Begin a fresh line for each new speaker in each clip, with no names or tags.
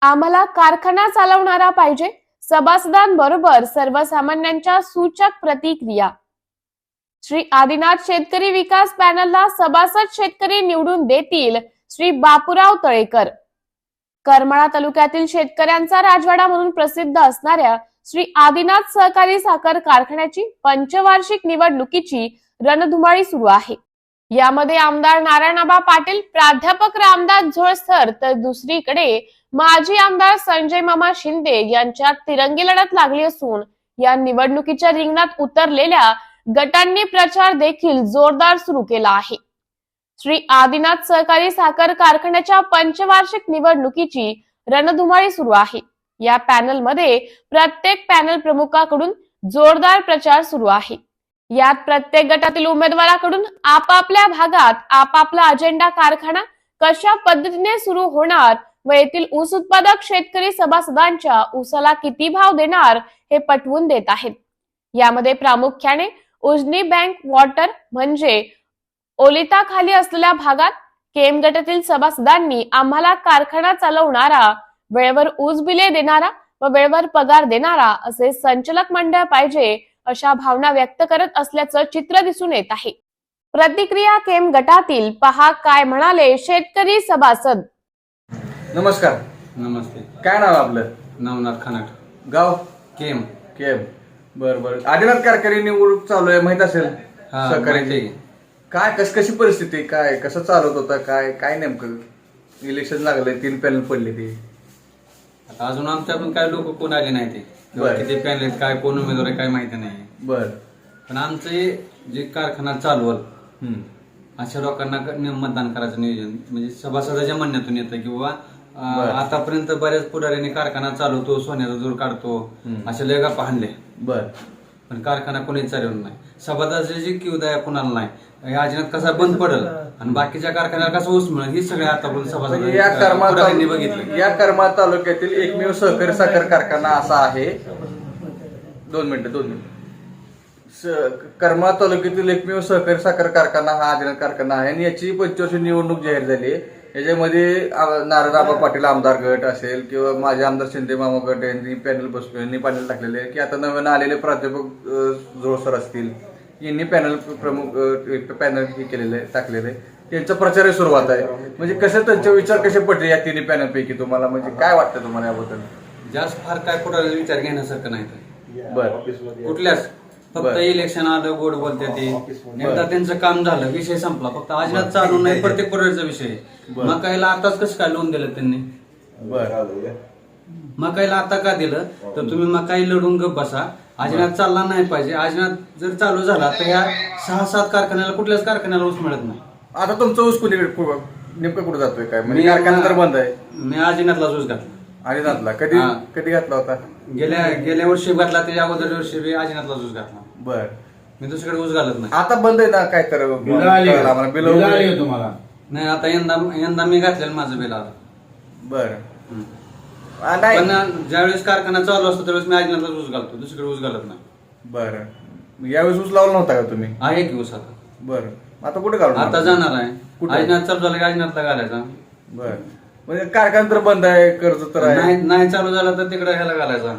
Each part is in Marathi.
आम्हाला कारखाना चालवणारा पाहिजे. सभासदांबरोबर सर्वसामान्यांच्या सूचक प्रतिक्रिया. श्री आदिनाथ शेतकरी विकास पॅनलला सभासद शेतकरी निवडून देतील. श्री बापूराव तळेकर. करमाळा तालुक्यातील शेतकऱ्यांचा राजवाडा म्हणून प्रसिद्ध असणाऱ्या श्री आदिनाथ सहकारी साखर कारखान्याची पंचवार्षिक निवडणुकीची रणधुमाळी सुरू आहे. यामध्ये आमदार नारायणआबा पाटील, प्राध्यापक रामदास झोळसर तर दुसरीकडे माजी आमदार संजय मामा शिंदे यांच्यात तिरंगी लढत लागली असून या निवडणुकीच्या रिंगणात उतरलेल्या गटांनी प्रचार देखील जोरदार सुरू केला आहे. श्री आदिनाथ सहकारी साखर कारखान्याच्या पंचवार्षिक निवडणुकीची रणधुमाळी सुरू आहे. या पॅनलमध्ये प्रत्येक पॅनल प्रमुखाकडून जोरदार प्रचार सुरू आहे. यात प्रत्येक गटातील उमेदवाराकडून आपापल्या भागात आपापला अजेंडा, कारखाना कशा पद्धतीने सुरू होणार व येथील ऊस उत्पादक शेतकरी सभासदांच्या ऊसाला किती भाव देणार हे पटवून देत आहेत. यामध्ये प्रामुख्याने उजनी बँक वॉटर म्हणजे ओलिताखाली असलेल्या भागात केम गटातील सभासदांनी आम्हाला कारखाना चालवणारा, वेळेवर ऊस बिले देणारा व वेळेवर पगार देणारा असे संचालक मंडळ पाहिजे अशा भावना व्यक्त करत असल्याचं चित्र दिसून येत आहे. प्रतिक्रिया केम गटातील पहा काय म्हणाले शेतकरी सभासद.
नमस्कार.
नमस्ते.
काय नाव आपलं?
नवनाथ खानाट.
गाव?
केम.
केम. बर. आदिनाथ कारखानी निवडणूक चालू आहे, माहित असेल?
सहकारी.
काय कशी परिस्थिती, काय कसं चालवत होता, काय नेमकं इलेक्शन लागलंय, 3 पॅनल पडले ते.
आता अजून आमच्या पण काय लोक कोण आले नाही ते. किती पॅनल आहेत, काय कोण उमेदवार आहे काय माहिती नाही.
बर.
पण आमचे जे कारखाना चालवल अशा लोकांना मतदान करायचं नियोजन म्हणजे सभासदाच्या म्हणण्यातून येतं की बाबा आतापर्यंत बऱ्याच पुढाऱ्यांनी कारखाना चालवतो, सोन्याचा जोर काढतो, अशा लय गप्पा हाणले.
बर.
पण कारखाना कोणीच चालवलं नाही. सभासदाची किवदाया कोणाला नाही. या अजिनात कसा बंद पडल आणि बाकीच्या कारखान्याला कसं ऊस मिळेल ही सगळे आतापर्यंत सभासदांनी बघितलं.
या करमाळा तालुक्यातील एकमेव सहकारी साखर कारखाना असा आहे. 2 मिनिटं. करमाळा तालुक्यातील एकमेव सहकारी साखर कारखाना हा आदिनाथ कारखाना आहे आणि याची 25 निवडणूक जाहीर झाली. याच्यामध्ये नारायणआबा पाटील आमदार गट असेल किंवा माझे आमदार शिंदे मामा गट यांनी पॅनल टाकलेले आहे की आता नवीन आलेले प्राध्यापक जोळसर असतील यांनी पॅनल हे केलेले टाकलेले आहे. त्यांचा प्रचारही सुरुवात आहे. म्हणजे कसं त्यांचे विचार कसे पडले या 3 पॅनल पैकी तुम्हाला, म्हणजे काय वाटतं तुम्हाला याबद्दल?
जास्त फार काय पुढे विचार घेण्यासारखं नाही.
बरं.
कुठल्याच फक्त इलेक्शन आलं, गोड बोलते ते एकदा त्यांचं काम झालं, विषय संपला. फक्त आजनात चालू नाही, प्रत्येक पुढाऱ्याचा विषय. मकाईला आताच कसं काय लोन दिलं त्यांनी?
बरं.
मकाईला आता का दिलं तर तुम्ही मकाई लढून गप बसा. आजनात चालला नाही पाहिजे. आजनात जर चालू झाला तर ह्या 6-7 कारखान्याला कुठल्याच कारखान्याला ऊस मिळत नाही.
आता तुमचा ऊस नेमकं कुठे जातोय काय? म्हणजे कारखाना तर बंद आहे.
मी आजनातला ऊस घातला.
आदिनाथला कधी घातला होता?
गेल्या वर्षी घातला. त्याच्या अगोदर वर्षी बी आजनातला ऊस घातला.
बर.
मी दुसरीकडे ऊस घालत नाही.
आता बंद आहे ना काय तर
बिल तुम्हाला नाही. आता यंदा मी घातलेलं माझं बिल आलं.
बर.
पण ज्यावेळेस कारखाना चालू असतो त्यावेळेस मी आजनातला ऊस घालतो, दुसरीकडे ऊस घालत नाही.
बर. यावेळेस ऊस लावला नव्हता का तुम्ही?
आहे की ऊस आता.
बर. आता कुठे घालून?
आता जाणार आहे. आजनात चालू झालं की आजनातला घालायचा.
बर. म्हणजे कारखाना तर बंद आहे, कर्ज तर आहे.
नाही चालू झाला तर तिकडे ह्याला घालायचा.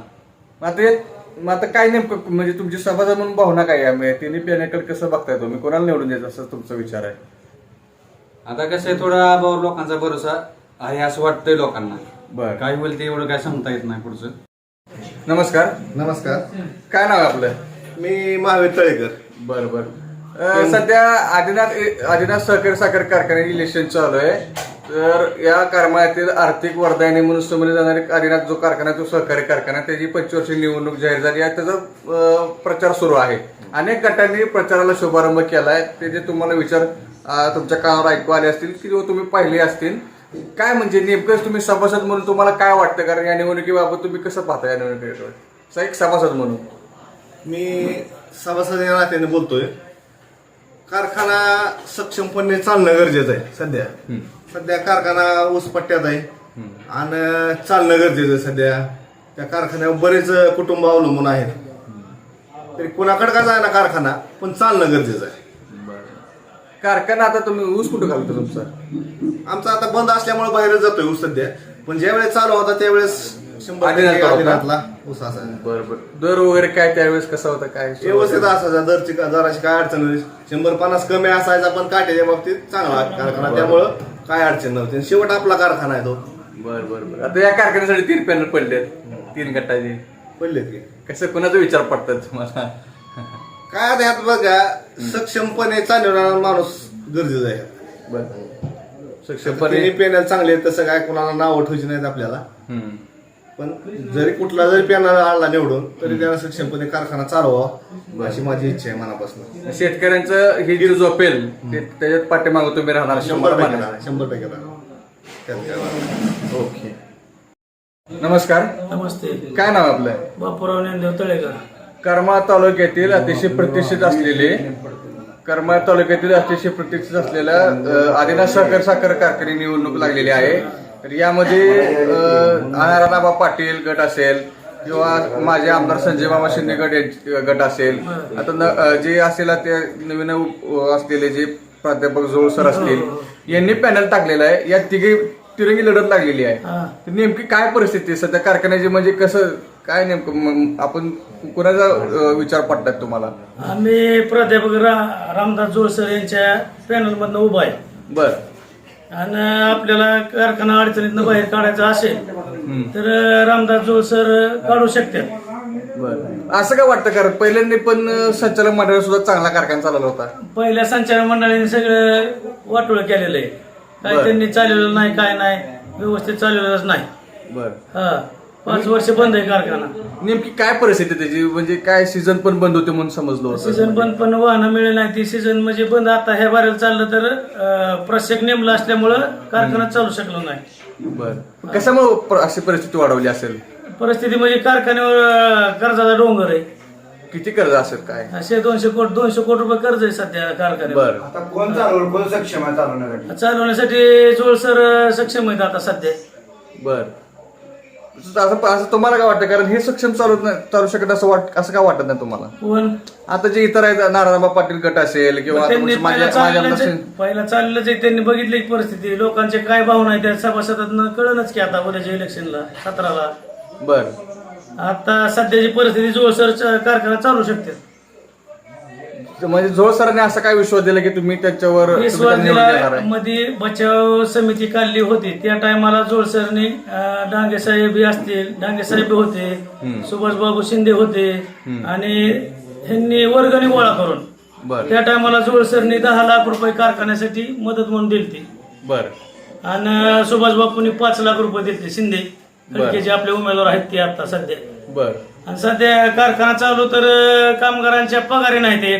आता काय नेमकं म्हणजे तुमची सभासद म्हणून भावना काय आहे? 3 पॅनलकडे कसं बघताय तुम्ही? कोणाला निवडून द्यायचं असं तुमचा विचार आहे?
आता कसं आहे, थोडा आबावर लोकांचा भरोसा आहे असं वाटतंय लोकांना.
बर.
काय होईल ते एवढं काय सांगता येत नाही पुढचं.
नमस्कार. काय नाव आहे आपलं?
मी महावीर तळेकर.
बर. सध्या आदिनाथ सहकारी साखर कारखान्याचे इलेक्शन चालू आहे. तर या कारखान्यातील आर्थिक वरदायिनी म्हणून समजले जाणारे आदिनाथ जो कारखाना, तो सहकारी कारखाना, त्याची 25 निवडणूक जाहीर झाली आहे. त्याचा प्रचार सुरू आहे. अनेक गटांनी प्रचाराला शुभारंभ केलाय. ते जे तुम्हाला विचार तुमच्या कानावर ऐकू आले असतील किंवा तुम्ही पाहिले असतील. काय म्हणजे नेमकं तुम्ही सभासद म्हणून तुम्हाला काय वाटतं? कारण या निवडणुकीबाबत तुम्ही कसं पाहता या निवडणुकीवर एक सभासद म्हणून?
मी सभासद या नात्याने बोलतोय. कारखाना सक्षमपणे चालणं गरजेचं आहे. सध्या कारखाना ऊसपट्ट्यात आहे आणि चालणं गरजेचं आहे. सध्या त्या कारखान्यावर बरेच कुटुंब अवलंबून आहेत. तरी कुणाकडे का जायना कारखाना, पण चालणं गरजेचं आहे.
कारखाना आता तुम्ही ऊस कुठं घालतो तुमचा?
आमचा आता बंद असल्यामुळे बाहेर जातोय ऊस सध्या. पण ज्यावेळेस चालू होता त्यावेळेस 100%
आदिनाथ
आदिनाथला ऊस असायचा.
बरोबर. दर वगैरे काय त्यावेळेस कसा होता काय
व्यवस्थित असायचा. दराची काय अडचण नव्हती. 150 कमी असायचा पण काट्याच्या बाबतीत चांगला कारखाना, त्यामुळं काय अडचण नव्हती. आणि शेवट आपला कारखाना आहे तो.
बरं. आता या कारखान्यासाठी 3 पॅनल पडलेत, 3 गटाचे.
पडले की
कसं कोणाचा विचार पडतात तुम्हाला?
काय आता ह्यात बघा, सक्षमपणे चालवणारा माणूस गरजेचा आहे.
बरं.
सक्षमपणे पॅनल चांगले आहेत, तसं काय कोणाला नाव ठेवायची नाहीत आपल्याला. पण जरी कुठला जरी पॅनल आला निवडून तरी त्याला सक्षमपणे कारखाना चालवावा अशी माझी इच्छा आहे मनापासून.
शेतकऱ्यांचं हे जे झोपेल त्याच्यात पाठीमागं तुम्ही राहणार 100%.
100% त्यात काय वाद नाही.
ओके. नमस्कार.
नमस्ते.
काय नाव आपलं?
बापूराव ज्ञानदेव तळेकर.
करमाळ तालुक्यातील अतिशय प्रतिष्ठित असलेले असलेल्या आदिनाथ साखर कारखाने निवडणूक लागलेली आहे. तर यामध्ये नारायणबा पाटील गट असेल किंवा माझे आमदार संजय मामा शिंदे गट असेल, आता जे असेल ते नवीन असलेले जे प्राध्यापक जोळ सर असतील यांनी पॅनल टाकलेलं आहे. या तिरंगी लढत लागलेली आहे. तर नेमकी काय परिस्थिती आहे सध्या कारखान्याची, म्हणजे कसं काय नेमकं आपण कोणाचा विचार पडतात तुम्हाला?
आम्ही प्राध्यापक रामदास जोळसर यांच्या पॅनल मधनं उभा आहे.
बर.
आणि आपल्याला कारखाना अडचणीतनं बाहेर काढायचा असेल तर रामदास जोळसर काढू शकतात.
बर. असं काय वाटतं? कारण पहिल्यांदा पण संचालक मंडळ सुद्धा चांगला कारखाना चालवला होता.
पहिल्या संचालक मंडळाने सगळं वाटोळ केलेलं आहे. काय त्यांनी चालवलेलं नाही, काय नाही, व्यवस्थित चालवलेलंच नाही.
बर.
5 वर्ष बंद आहे कारखाना.
नेमकी काय परिस्थिती त्याची, म्हणजे काय सीझन पण बंद होते म्हणून समजलो होतं.
सीझन बंद पण वाहनं मिळेल नाही. ती सीझन म्हणजे बंद. आता ह्या बारेला चाललं तर प्रत्येक नेमला असल्यामुळं कारखाना चालू शकलो नाही.
बर. कशामुळे अशी परिस्थिती वाढवली असेल?
परिस्थिती म्हणजे कारखान्यावर कर्जाचा डोंगर आहे.
किती कर्ज असेल काय?
200 कोटी रुपये कर्ज आहे सध्या कारखान्यावर.
बर.
आता कोण चालवलं, कोण सक्षम आहे चालवण्यासाठी?
चालवण्यासाठी जोळसर सक्षम आहेत आता सध्या.
बर. असं तुम्हाला काय वाटतं? कारण हे सक्षम चालू शकत असं काय वाटत नाही तुम्हाला?
पण
आता जे इतर आहेत नारायणबा पाटील गट असेल किंवा
त्यांनी
माझ्या
पहिला चाललेलंच आहे. त्यांनी बघितली परिस्थिती, लोकांचे काय भावना आहे त्या सभासदांना कळलंच की आता उद्याच्या इलेक्शनला 17ला.
बर.
आता सध्याची परिस्थिती जोळसर कारखाना चालू शकते.
म्हणजे जोळ सरांनी असा काय विश्वास दिला की तुम्ही त्याच्यावर
विश्वास
निवडून देणार
दिला.
आहे?
मध्ये बचाव समिती काढली होती त्या टायमाला जोळसरने डांगे साहेब असतील, डांगे साहेब होते, सुभाषबाबू शिंदे होते आणि ह्यांनी वर्गणी गोळा करून
बर.
त्या टायमाला जोळसरने 10 लाख रुपये कारखान्यासाठी मदत म्हणून दिली.
बर.
आणि सुभाषबाबूंनी 5 लाख रुपये दिले. शिंदे जे आपले उमेदवार आहेत ते आता सध्या.
बर.
आणि सध्या कारखाना चालू तर कामगारांच्या पगारी नाही ते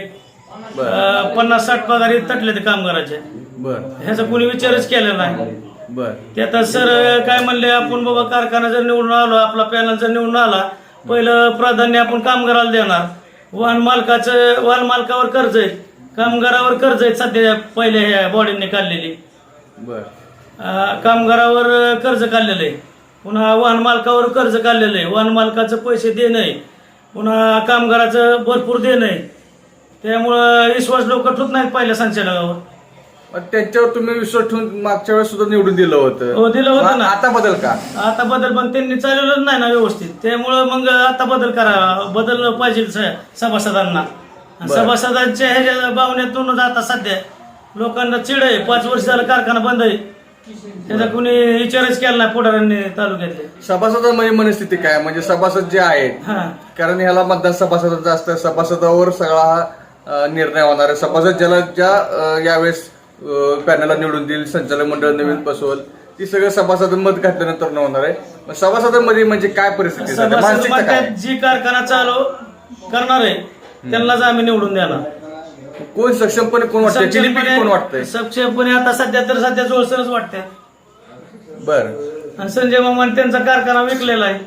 50-60 पगारी तटले ते कामगारांच्या.
बर.
ह्याचा कोणी विचारच केलेला नाही.
बर.
ते आता सर काय म्हणले, आपण बाबा कारखाना जर निवडून आलो, आपला पॅनल जर निवडून आला, पहिलं प्राधान्य आपण कामगाराला देणार. वाहन मालकावर कर्ज आहे, कामगारावर कर्ज आहे सध्या पहिल्या ह्या बॉडीने काढलेली.
बर.
कामगारावर कर्ज काढलेलं आहे, पुन्हा वाहन मालकावर कर्ज काढलेलं आहे. वाहन मालकाचं पैसे देणं आहे, पुन्हा कामगाराचं भरपूर देणं आहे. त्यामुळं विश्वास लोक ठेवत नाहीत पहिल्या संचालकावर.
त्यांच्यावर तुम्ही विश्वास ठेवून मागच्या वेळेस सुद्धा निवडून दिलं होतं.
हो, दिलं होतं ना.
आता बदल का?
आता बदल पण त्यांनी चालवलं नाही ना व्यवस्थित. त्यामुळं मग आता बदल पाहिजे सभासदांना. सभासदांच्या ह्याच्या भावनेतूनच आता सध्या लोकांना चिड आहे. 5 वर्ष झालं कारखाना बंद आहे, त्याचा कोणी विचारच केला नाही पुढाऱ्यांनी तालुक्यातले.
सभासदांमध्ये मनस्थिती काय, म्हणजे सभासद जे आहेत, कारण ह्याला मतदान सभासदांचं असतं, सभासदावर सगळा हा निर्णय होणार आहे. सभासद ज्या यावेळेस पॅनलला निवडून देईल, संचालक मंडळ नवीन बसवल, ती सगळं सभासद मत घातल्यानंतर न होणार आहे. सभासदांमध्ये म्हणजे काय परिस्थिती, मानसिकता काय?
जी कारखाना चालू करणार आहे त्यांनाच आम्ही निवडून देणार.
कोण सक्षमपणे कोण वाटतंय, कोण वाटतंय
सक्षमपणे आता सध्या जोळसरच वाटतंय.
बर.
आणि संजय मामाने त्यांचा कारखाना विकलेला आहे.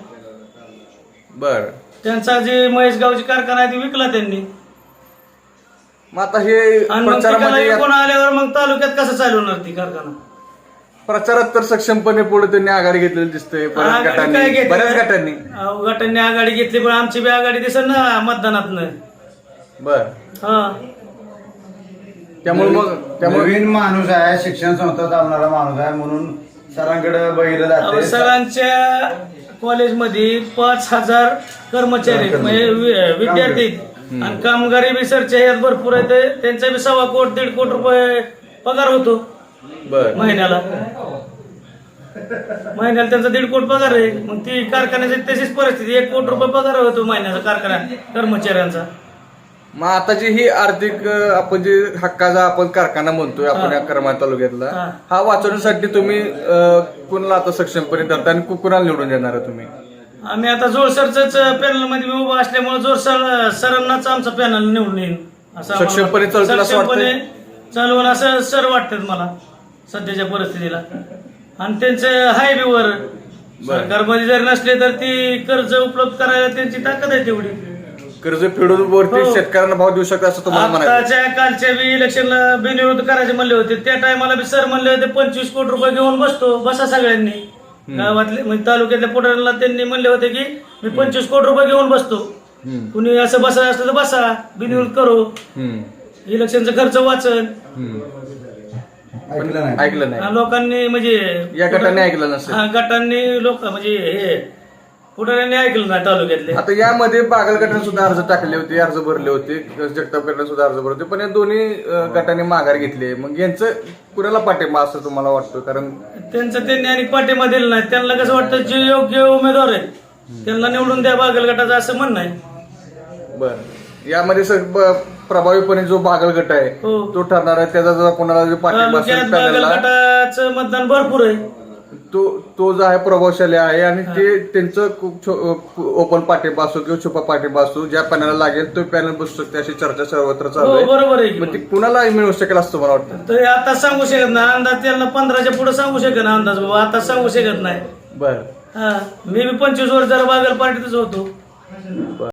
बर.
त्यांचा जे महेशगावची कारखाना आहे ती विकला त्यांनी.
मग आता हे
आणि मग
प्रचारामध्ये
कोण आल्यावर मग तालुक्यात कसं चालवणार ती कारखाना?
प्रचारात तर सक्षमपणे पुढे त्यांनी आघाडी घेतलेली दिसते बऱ्याच गटांनी.
गटांनी आघाडी घेतली, पण आमची बी आघाडी दिसत ना मतदानातनं.
बर.
हा,
त्यामुळे
नवीन माणूस आहे, शिक्षण संस्था चालणारा माणूस आहे म्हणून सरांकडे बघितलं जाते
सरांच्या कॉलेजमध्ये 5,000 कर्मचारी आहेत, म्हणजे विद्यार्थी आहेत. आणि कामगारी बी सरच्या ह्यात भरपूर आहेत. त्यांचा बी 1.25 कोटी 1.5 कोटी रुपये पगार होतो
बर
महिन्याला त्यांचा 1.5 कोटी पगार आहे. मग ती कारखान्याची तशीच परिस्थिती, 1 कोटी रुपये पगार होतो महिन्याचा कारखाना कर्मचाऱ्यांचा.
मग आताची ही आर्थिक आपण जे हक्काचा आपण कारखाना म्हणतोय आपण या करमाळा तालुक्यातला
हा.
हा वाचवण्यासाठी तुम्ही कुणाला आता सक्षमपणे धरता आणि कुणाला निवडून देणार तुम्ही?
आम्ही आता जोरसरच पॅनल मध्ये मी उभा असल्यामुळे जोरसर सरांनाच आमचा पॅनल निवडून येईल असं आम्हाला
सक्षमपणे चालतील असं वाटतंय?
सक्षमपणे चालवून असं सर वाटतात मला सध्याच्या परिस्थितीला. आणि त्यांचं हाय बी वर सरकारमध्ये जर नसले तर ती कर्ज उपलब्ध करायला त्यांची ताकद आहे तेवढी.
कर्ज फेडून वरती
हो.
शेतकऱ्यांना भाव देऊ शकता असं तुम्हाला म्हणायचं?
आताच्या कालच्या बी इलेक्शनला बिनविरोध करायचे म्हणले होते, त्या टायमाला बी सर म्हणले होते 25 कोटी रुपये घेऊन बसा सगळ्यांनी गावातले म्हणजे तालुक्यातल्या पुढाऱ्यांना त्यांनी म्हणले होते की मी 25 कोटी रुपये घेऊन बसतो, कुणी असं बसायचं असलं तर बसा, बिनविरोध करू, इलेक्शनचा खर्च वाचन.
ऐकलं नाही.
ऐकलं नाही
लोकांनी म्हणजे
या गटाने ऐकलं नसेल.
गटांनी लोक म्हणजे हे पुढाऱ्यांनी ऐकलं नाही तालुक्यातले.
आता यामध्ये बागल गटाने सुद्धा अर्ज टाकले होते, अर्ज भरले होते, जगताप गटाने सुद्धा अर्ज भरले होते, पण या दोन्ही गटाने माघार घेतली. मग यांचं कुणाला पाठिंबा असं तुम्हाला वाटतं? कारण
त्यांनी आणि पाठिंबा दिला नाही. त्यांना कसं वाटतं जे योग्य उमेदवार आहेत त्यांना निवडून द्या बागल गटाचं असं म्हणणं आहे.
बर यामध्ये प्रभावीपणे जो बागल गट आहे
हो.
तो ठरणार आहे. त्याचा जर कोणाला जो पाठिंबा
तालुक्यात
असेल
बागल
पॅनलला,
गटाचं मतदान भरपूर आहे.
तो जो आहे प्रभावशाली आहे आणि ते त्यांचं ओपन पाठिंबा असो किंवा छुपा पाठिंबा असो, ज्या पॅनलला लागेल तो पॅनल बसू शकते अशी चर्चा सर्वत्र चालू
हो
आहे.
बरोबर आहे की
मग
मग.
ते कुणाला मिळू शकेल असं मला वाटतं?
तर आता सांगू शकत नाही अंदाज, त्यांना 15च्या पुढे सांगू शकत नाही अंदाज बाबा, आता सांगू शकत नाही.
बर
मी बी 25 वर्ष जरा बागल पार्टीतच होतो.